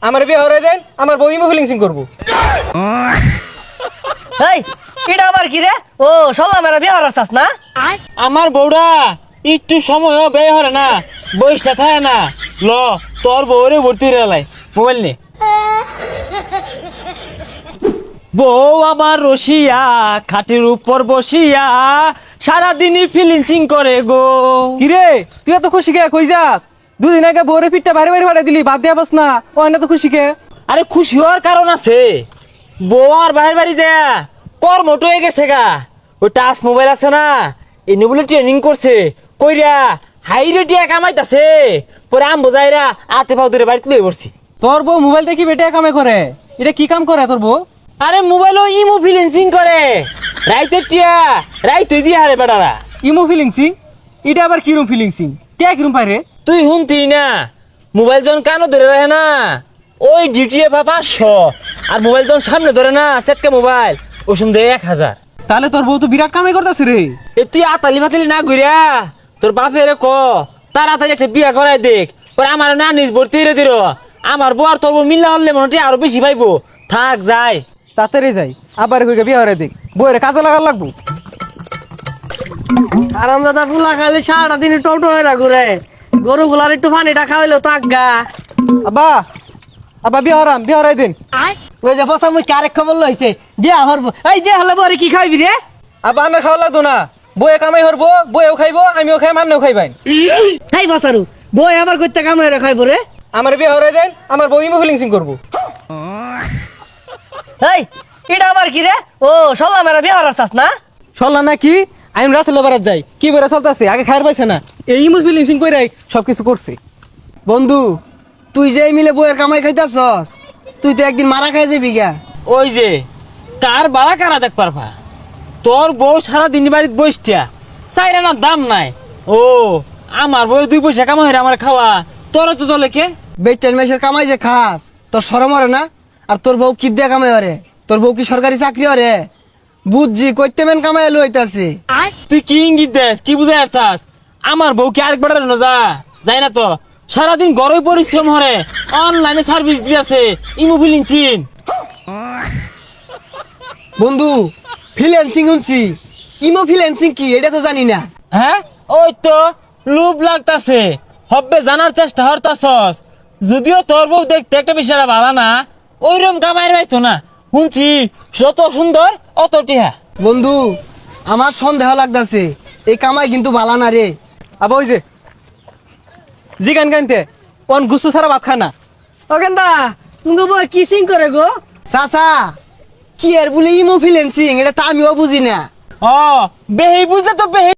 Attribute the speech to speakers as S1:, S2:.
S1: আমার বিয়ে হরে দেন, আমার বউ ইমো ফিলিংসিং করবো।
S2: এই এটা আবার কি রে? ও সল্লা মেরা বিয়ে হওয়ার চাস না?
S3: আমার বউরা একটু সময় ব্যয় হরে না, বয়সটা থাকে না। ল তোর বউরে ভর্তি রেলাই মোবাইল নে। বউ আমার রসিয়া খাটের উপর বসিয়া সারাদিনই ফিলিংসিং করে গো।
S1: কিরে তুই এত খুশি কে? কই যাস? দুদিন আগে বউরে পিঠটা ভারী ভারী ফাটাই দিলি, বাদ দিয়া বস না। ও না তো খুশি কে?
S3: আরে খুশি হওয়ার কারণ আছে। বউ আর বাহির বাড়ি যায় কর্মট হয়ে গেছে গা। ওই টাচ মোবাইল আছে না, এনে বলে ট্রেনিং করছে কইরা হাই রেটিয়া কামাইতাছে। পরে আম বোঝাইরা আতে পাও ধরে বাড়িতে লয়ে পড়ছি।
S1: তোর বউ মোবাইল দেখি বেটে কামে করে? এটা কি কাম করে তোর বউ?
S3: আরে মোবাইলও ইমো ফিলিংসিং করে রাইতে টিয়া রাইতে দিয়ে হারে বেটারা।
S1: ইমো ফিলিংসিং? এটা আবার কিরম ফিলিংসিং? কে কিরম পারে?
S3: তুই শুনতি না, মোবাইল যখন কানো ধরে রাখে না ওই ডিউটি পা 500, আর মোবাইল যখন সামনে ধরে না সেটকে মোবাইল ওই সময় দেয় 1000।
S1: তাহলে তোর বউ তো বিরাট কামাই করতেছে রে।
S3: এ তুই আতালি ফাতালি না ঘুরিয়া তোর বাপের ক তাড়াতাড়ি একটা বিয়া করাই দেখ। পরে আমার না নিজ ভর্তি রে দিল। আমার বউ আর তোর বউ মিল্লা হলে মনে আরো বেশি পাইবো। থাক যাই
S1: তাড়াতাড়ি যাই, আবার কই বিয়ে হরে দেখ, বউরে কাজে লাগার লাগবো।
S2: আরাম দাদা ফুলা খালি সারাটা দিন টোটো হয়ে না ঘুরে। গরু গুলার একটু পানিটা খাওয়াইলো তো আজ্ঞা।
S1: আব্বা, আব্বা বিয়ে হরাম, বিয়ে হরাই দিন।
S2: ওই যে পচা মুখ আরেক খবর লইছে বিয়া হরবো। এই বিয়া হলে বরে কি খাইবি রে?
S1: আব্বা আমার খাওয়া লাগতো না, বউয়ে কামাই হরবো, বউয়েও খাইবো, আমিও খাই, মান্নেও খাইবাই।
S2: খাই বসারু বই আবার করতে কাম হয়ে খাইবো রে।
S1: আমার বিয়ে হরাই দেন, আমার বউ ইমো ফিলিংসিং করবো।
S2: এই এটা আবার কি রে? ও সল্লা মেরা বিয়া হওয়ার চাস না?
S1: চললা না কি? আমি রাসেল বারাত যাই, কি বেড়া চলতেছে, আগে খায়ার পাইছে না, এই ইমো ফিলিংসিং করে সবকিছু করছে।
S4: বন্ধু তুই যে এই মিলে বইয়ের কামাই খাইতাছস, তুই তো একদিন মারা খাই যাবি গা।
S3: ওই যে কার বাড়া কারা দেখ পারবা। তোর বউ সারাদিন বাড়িতে বসটিয়া চাইরা না দাম নাই। ও আমার বউ 2 পয়সা কামাই হইরা আমার খাওয়া, তোর তো চলে কে?
S4: বেটেন মাসের কামাই যে খাস তোর শরম হরে না? আর তোর বউ কি দিয়ে কামাই হরে? তোর বউ কি সরকারি চাকরি হরে? বুঝছি কইতে মেন কামাই লইতাছে।
S3: তুই কি ইঙ্গিত দেস, কি বুঝাই আসছাস? আমার বউ কি আরেকবার না যাই না তো, সারাদিন গরমে পরিশ্রম হরে, অনলাইনে সার্ভিস দিয়েছে ইমো ফিলিংসিং।
S4: বন্ধু ফ্রিল্যান্সিং শুনছি, ইমো ফ্রিল্যান্সিং কি এটা তো জানি না।
S3: হ্যাঁ ওই তো লুপ লাগতাছে, হব্বে জানার চেষ্টা হরতাছস। যদিও তোর বউ দেখতে একটা বিষয়টা ভালো না, ওইরকম কামাইয়ের পাইতো না। শুনছি যত সুন্দর অত টিহা।
S4: বন্ধু আমার সন্দেহ লাগতাছে এই কামাই কিন্তু ভালো না রে।
S1: আবার ওই যে জি গান গানতে অন গুস্তু ছাড়া ভাত খানা।
S2: ও কেন্দা তুমি বই কিসিং করে গো?
S4: চাচা কি আর বলে ইমো ফ্রিল্যান্সিং এটা তো আমিও বুঝি না।
S3: ও বেহি বুঝলে তো বেহি